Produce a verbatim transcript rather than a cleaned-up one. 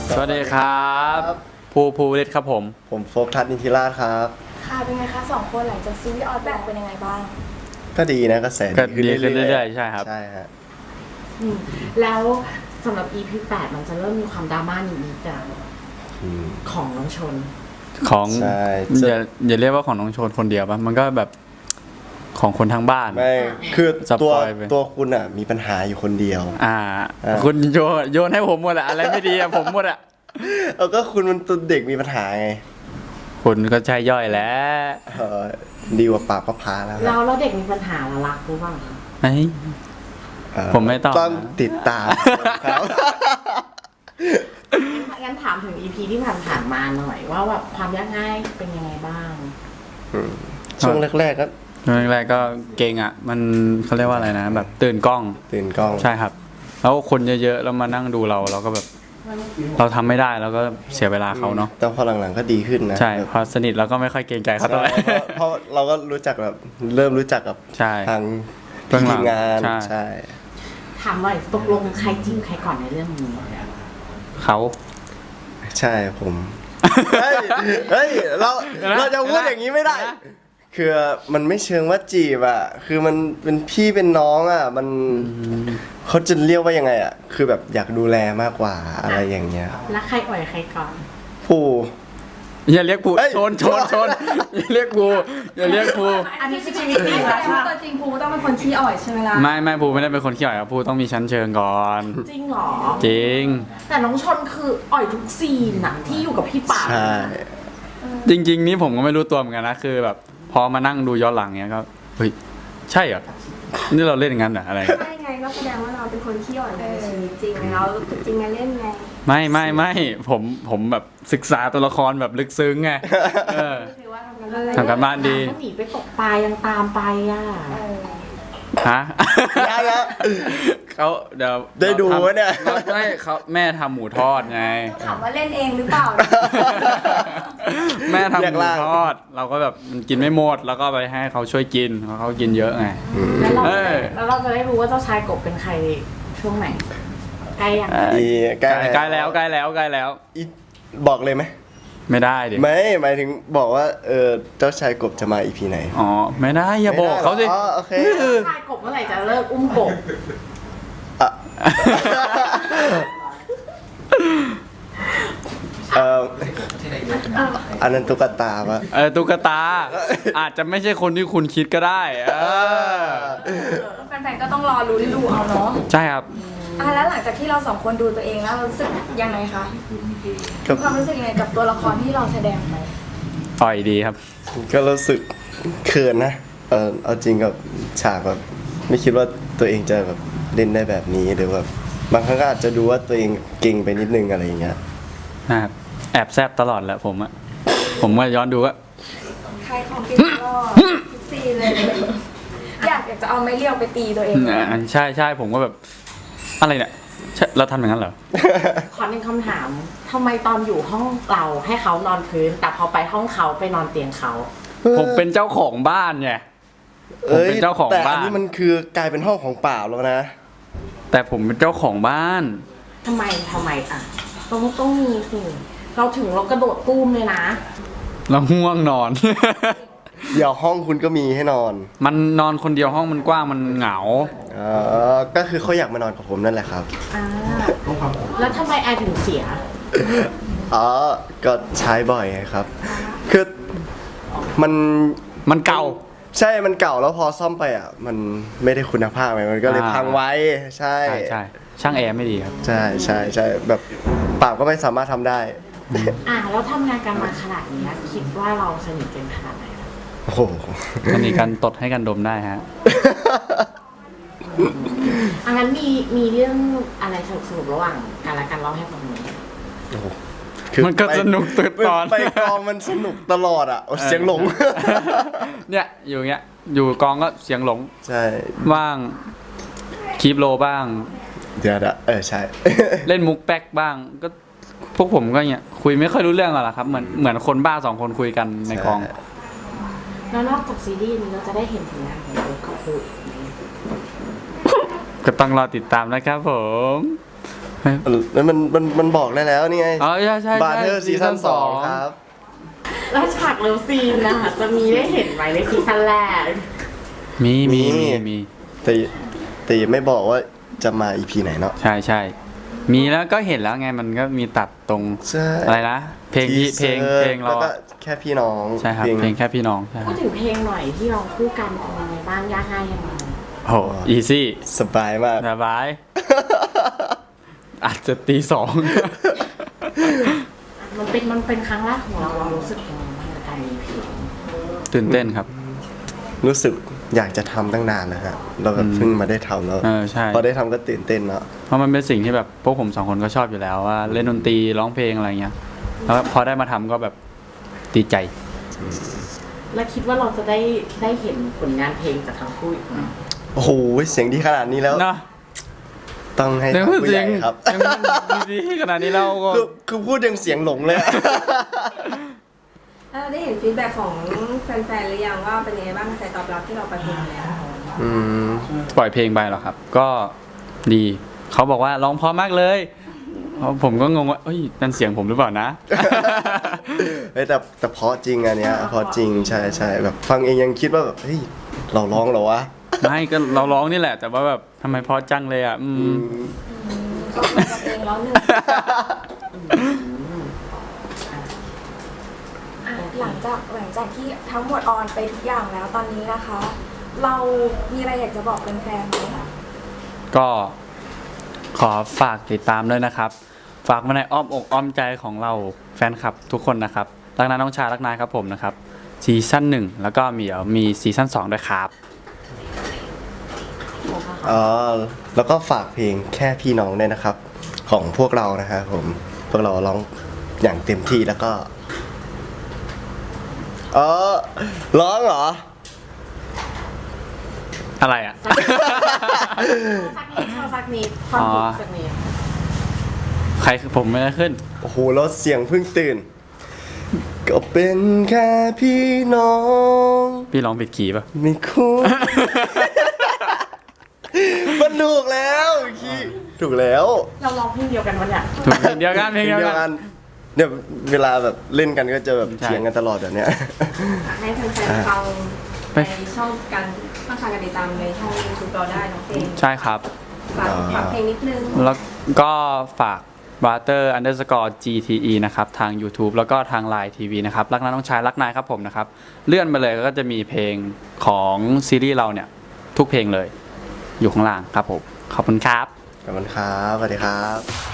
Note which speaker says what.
Speaker 1: สวัสดีครับภูภูริศครับผม
Speaker 2: ผมโฟกทัศน์นิติราชครับ
Speaker 3: ค่ะเป็นไงคะสองคนหลังจากซีรีส์ออนแบกเป็นยังไงบ้าง
Speaker 2: ก็ดีนะกระแส
Speaker 1: ก็ดีขึ้นเรื่อยๆใช่ครับ
Speaker 2: ใช่ฮะ
Speaker 4: แล้วสำหรับ อี พี แปดมันจะเริ่มมีความดราม่านิดๆอะของน้องชน
Speaker 1: ของอย่าอย่าเรียกว่าของน้องชนคนเดียวป่ะมันก็แบบของคนทั้งบ้าน
Speaker 2: ไม่คือตัวตัวคุณอ่ะมีปัญหาอยู่คนเดียว
Speaker 1: อ่าคุณโยนโยนให้ผมหมดอะอะไรไม่ดีอะผมหมดอะ
Speaker 2: เออก็คุณมันตัวเด็กมีปัญหาไง
Speaker 1: คุณก็ใช่ย่อยแล้ว
Speaker 2: ดีกว่าปากก็พาแล้ว
Speaker 4: เราแล้วเด็กมีปัญหาละรักรู้บ้าง
Speaker 1: ไอ้ผมไม่ต้อง
Speaker 2: ต้องติดตามครับ
Speaker 4: งั้นถามถึง อี พี ที่ผ่านๆมาหน่อยว่าแบบความยากง่ายเป็นยังไงบ้าง
Speaker 2: ช่วงแรกๆก็
Speaker 1: ช่วงแรกๆก็เก่งอ่ะมันเขาเรียกว่าอะไรนะแบบตื่นกล้อง
Speaker 2: ตื่นกล้อง
Speaker 1: ใช่ครับแล้วคนเยอะๆแล้วมานั่งดูเราเราก็แบบเราทำไม่ได้แล้วก็เสียเวลาเขาเนาะ
Speaker 2: แต่พอหลังๆก็ดีขึ้นนะ
Speaker 1: ใช่พอสนิทเราก็ไม่ค่อยเกรงใจเขาเท่าไหร่
Speaker 2: เพราะเราก็รู้จักแบบเริ่มรู้จักกับทางทีมงานใช่
Speaker 4: ถามหน่อยตกลงใครจิ้มใครก่อนในเรื่องนี้
Speaker 1: เขา
Speaker 2: ใช่ผมเฮ้ยเฮ้ยเราเราจะพูดอย่างนี้ไม่ได้คือมันไม่เชิงว่าจีบอ่ะคือมันเป็นพี่เป็นน้องอ่ะมันเขาจะเรียกว่ายังไงอ่ะคือแบบอยากดูแลมากกว่าอะไรอย่างเงี้ย
Speaker 4: แล้วใครอ่อยใครก่อน
Speaker 2: ผู้
Speaker 1: อย่าเรียกผู้ชนชนชนอย่าเรียกผู้อย่าเรียกผู้
Speaker 3: อันนี้คือชีวิตจริงนะตัวจริงผู้ต้องเป็นคนขี้อ่อยใช่ไหมล่ะ
Speaker 1: ไม่ไม่ผู้ไม่ได้เป็นคนขี้อ่อยครับผู้ต้องมีชั้นเชิงก่อน
Speaker 4: จริงหรอ
Speaker 1: จริง
Speaker 4: แต่น้องชนคืออ่อยทุกซีนอะที่อยู่กับพี่ป่า
Speaker 2: ใช่
Speaker 1: จริงๆนี่ผมก็ไม่รู้ตัวเหมือนกันนะคือแบบพอมานั่งดูย้อนหลังเนี้ยก็เฮ้ยใช่เหรอนี่เราเล่นงั้นเหรออะไร
Speaker 3: ใช่ไงก็แสดงว่าเราเป็นคนขี้อ่อยในชีวิตจริงไงเราจริงไงเล่นไง
Speaker 1: ไม่ไม่ไม่ผมผมแบบศึกษาตัวละครแบบลึกซึ้งไงทำกันบ้านดี
Speaker 4: เขาหนีไปตกปลายังตามไปอ่ะ
Speaker 1: ฮะเขาเดี๋ยว
Speaker 2: ได้ดูวะเนี่ย
Speaker 1: ไม่เขาแม่ทำหมูทอดไง
Speaker 3: ถามว่าเล่นเองหรือเปล่า
Speaker 1: แม่ทำหมูทอดเราก็แบบมันกินไม่หมดแล้วก็ไปให้เขาช่วยกินเพราะเขากินเยอะไง
Speaker 4: แล้วเราแล้วเราจะได้รู้ว่าเจ้าชายกบเป็นใครช่วงไหนใกล้ยัง
Speaker 1: ใกล้ใกล้แล้วใกล้แล้วใกล้แล้ว
Speaker 2: บอกเลยไหม
Speaker 1: ไม่ได้ดิ
Speaker 2: ไม่หมายถึงบอกว่าเออเจ้าชายกบจะมาอีพีไหน
Speaker 1: อ๋อไม่ได้อย่าบอกเขาสิ
Speaker 2: อ๋อโอเค
Speaker 4: เจ้าชายกบเมื่อไหร่จะเลิกอุ้มกบ
Speaker 2: เอออันนั้นตุ๊กตาปะ
Speaker 1: เออตุ๊กตาอาจจะไม่ใช่คนที่คุณคิดก็ได้เออ
Speaker 3: แฟนๆก็ต้องรอลุ้นดูเอาเนาะ
Speaker 1: ใช่ครับ
Speaker 3: อ่ะแล้วหลังจากที่เราสองคนดูตัวเองแล้วรู้สึกยังไงคะความรู้สึกยังไงกับตัวละครที่เราแสดงไป
Speaker 1: อ่อยดีครับ
Speaker 2: ก็รู้สึกเขินนะเออเอาจริงกับฉากแบบไม่คิดว่าตัวเองจะแบบเล่นได้แบบนี้หรือแบบบางครั้งก็อาจจะดูว่าตัวเองเก่งไปนิดนึงอะไรอย่างเงี้ย
Speaker 1: นะครับแอบแซบตลอดแหละผมอะผมว่าย้อนดูว่า
Speaker 3: ใครของกินก็ซีเลยอยากอยากจะเอาไม้เลี้ยวไปตีตัวเอง
Speaker 1: ใช่ใช่ผมก็แบบอะไรเนี่ยเราทำอย่างนั้นเหรอ
Speaker 4: ขอหนึ่งคำถามทำไมตอนอยู่ห้องเราให้เขานอนพื้นแต่พอไปห้องเขาไปนอนเตียงเขา
Speaker 1: ผมเป็นเจ้าของบ้านไงผมเป็นเจ้าของบ้าน
Speaker 2: แต่อันนี้มันคือกลายเป็นห้องของเปล่าแล้วนะ
Speaker 1: แต่ผมเป็นเจ้าของบ้าน
Speaker 4: ทำไมทำไมอ่ะต้องต้องมีสิเราถึงเรากระโดดตู้มเลยนะ
Speaker 1: เราง่วงนอน
Speaker 2: เดี๋ยวห้องคุณก็มีให้นอน
Speaker 1: มันนอนคนเดียวห้องมันกว้างมันเหงา
Speaker 2: อ๋อก็คือเขาอยากมานอนกับผมนั่นแหละครับ
Speaker 4: อ่าแล้วทำไมแอร์ถึงเสีย
Speaker 2: อ๋อก็ใช้บ่อยครับคือมัน
Speaker 1: มันเก่า
Speaker 2: ใช่มันเก่าแล้วพอซ่อมไปอ่ะมันไม่ได้คุณภาพไงมันก็เลยพังไว้ใช่
Speaker 1: ใช่ช่างแอร์ไม่ดีครับ
Speaker 2: ใช่ใช่ใช่แบบปากก็ไม่สามารถทำได้
Speaker 4: อ่าแล้วทำงานกันมาขนาดนี้คิดว่าเราสนิทกันขนาดไหน
Speaker 2: โอ้โห
Speaker 1: สนิทกันตดให้กันดมได้ฮะ
Speaker 4: อันนั้นมีมีเรื่องอะไรสนุกสนุกระหว่างกันและกันเล่าให้ฟังหน่อย
Speaker 1: มันก็สนุกตื่นตอน
Speaker 2: ไปกองมันสนุกตลอดอ่ะเสียงหลง
Speaker 1: เนี่ยอยู่เงี้ยอยู่กองก็เสียงหลง
Speaker 2: ใช่
Speaker 1: บ้างคีปโลบ้าง
Speaker 2: เดี๋ยวเออใช่
Speaker 1: เล่นมุกแป๊กบ้างก็พวกผมก็เงี้ยคุยไม่ค่อยรู้เรื่องหรอกครับเหมือนเหมือนคนบ้าสองคนคุยกันในกอง
Speaker 4: แล้วนอกจากซีรีส์นี้เราจะได้เห็นผลงานของโค้ชอีกไหม
Speaker 1: ก็ต้องรอติดตามนะครับผม
Speaker 2: แล้วมันมันมันบอกได้แล้วนี่ไง
Speaker 1: อ๋อใช่ใช่
Speaker 2: บาร์เทอร์ซีซั่นสองครับ
Speaker 4: แล้วฉากเลิฟซีนนะคะจะมีได้เห็นไหมในซีซั่นแรก
Speaker 1: มีมี
Speaker 2: มี
Speaker 1: มีมี
Speaker 2: แต่แต่ไม่บอกว่าจะมาอีพีไหนเนาะ
Speaker 1: ใช่ใช่มีแล้วก็เห็นแล้วไงมันก็มีตัดตรง
Speaker 2: ใช่
Speaker 1: อะไรนะเพลงที่เพลงเพลงเรา
Speaker 2: แล้วก็
Speaker 1: อะ
Speaker 2: แค่พี่น้อง
Speaker 1: ใช่ครับเพลงแค่พี่น้องใช่ค
Speaker 4: พู
Speaker 1: รั
Speaker 4: ด
Speaker 1: บ
Speaker 4: ถึงเพลงหน่อยที่ร้องคู่กันเป็นยังไงบ้างยากง่ายยังไง
Speaker 1: โหอีซี่
Speaker 2: สบายมาก
Speaker 1: สบาย อาจจะตีสอง
Speaker 4: มันเป็นมันเป็นครั้งแรกของเราเรารู้สึกยังไงบ้างกับการมีเพลง
Speaker 1: ตื่นเต้นครับ
Speaker 2: รู้สึกอยากจะทำตั้งนานแล้วฮะเราแบบเพิ่งมาได้ทำแล้ว
Speaker 1: เออใช่
Speaker 2: พอได้ทำก็ตื่นเต้นเนาะ
Speaker 1: เพราะมันเป็นสิ่งที่แบบพวกผมสองคนก็ชอบอยู่แล้วว่าเล่นดนตรีร้องเพลงอะไรเงี้ยแล้วพอได้มาทำก็แบบดีใจ
Speaker 4: แล้วคิดว่าเราจะได้ได้เห็นผลงานเพลงจากทั้งคู่อีกไหม
Speaker 2: โอ้โหเสียงดีขนาดนี้แล้ว
Speaker 1: นะ
Speaker 2: ต้องให้
Speaker 1: เสียง
Speaker 2: ทางผู้
Speaker 1: เสี
Speaker 2: ให
Speaker 1: ยง
Speaker 2: ญ่ครับ
Speaker 1: ดีขนาดนี้เราก็
Speaker 2: คือคือพูดยังเสียงหลงเลยอะ
Speaker 3: แล้วเราได้เห็นฟีดแบ็กของแฟนๆหรือยังว่าเป็นยังไงบ้างกระแสตอบรับที่เราไปเพลงแล้ว
Speaker 2: อืม
Speaker 1: ปล่อยเพลงไปหรอครับ ก็ดีเขาบอกว่าร้องเพราะมากเลยเพราะผมก็งงว่าเอ้ยนั่นเสียงผมหรือเปล่านะ
Speaker 2: เฮ้ยแต่แต่เพราะจริงอันเนี้ยเพราะจริงใช่ใช่แบบฟังเองยังคิดว่าแบบเฮ้ยเราร้องเหรอวะ
Speaker 1: ไม่ก็เราร้องนี่แหละ แต่ว่าแบบทำไมเพราะจังเลยอ่ะอื
Speaker 2: อื
Speaker 1: ม
Speaker 2: ม
Speaker 3: ก็เป็นกันเองแล้วหนึ่งอ่ะหลังจากหลังจากที่ทั้งหมดออนไปทุกอย่างแล้วตอนนี้นะคะ เรามีอะไรอยากจะบอกแฟนๆไหมคะ
Speaker 1: ก็ขอฝากติดตามด้วยนะครับ ฝากมาในอ้อมอกอ้อมใจของเราแฟนคลับทุกคนนะครับรักนาน้องชายรักนายครับผมนะครับซีซั่นหนึ่งแล้วก็มีเดี๋ยวมีซีซั่นสองด้วยครับ
Speaker 2: อ๋อแล้วก็ฝากเพลงแค่พี่น้องด้วยนะครับ ของพวกเรานะครับผมพวกเราร้องอย่างเต็มที่แล้วก็เออร้องเหรอ
Speaker 1: อะไรอ่ะ
Speaker 4: สักนิดชอบสักนิดความรู้สักนิด
Speaker 1: ใครคือผมไม่ได้ขึ้น
Speaker 2: โอ้โหแล้วเสียงเพิ่งตื่น ก็เป็นแค่พี่น้อง
Speaker 1: พี่ร้องผิดคีย์ป่ะ
Speaker 2: ไม่คุ้น มันถูกแล้วคีถูกแล้ว
Speaker 4: เราร้องเพลงเดียวกันวะเนี่ย
Speaker 1: ถูกเพลงเดียวกันเพลงเดียวกัน
Speaker 2: เนี่ยเวลาแบบเล่นกันก็จะแบบ
Speaker 1: ใช่
Speaker 2: เถียงกันตลอดแบบเนี้ย
Speaker 3: ให้แฟนๆฟังในช่องการช่องทางการติดตามในช่องยูทูบเราได้เน้องเพลง
Speaker 1: ใช่ครับ
Speaker 3: ฝากฝากเพลงนิดนึง
Speaker 1: แล้วก็ฝาก Butter Underscore จี ที อี นะครับทาง YouTube แล้วก็ทาง Line ที วี นะครับรักนาน้องชายรักนายครับผมนะครับเลื่อนไปเลยก็จะมีเพลงของซีรีส์เราเนี่ยทุกเพลงเลยอยู่ข้างล่างครับผมขอบคุณครับ
Speaker 2: ขอบคุณครับสวัสดีครับ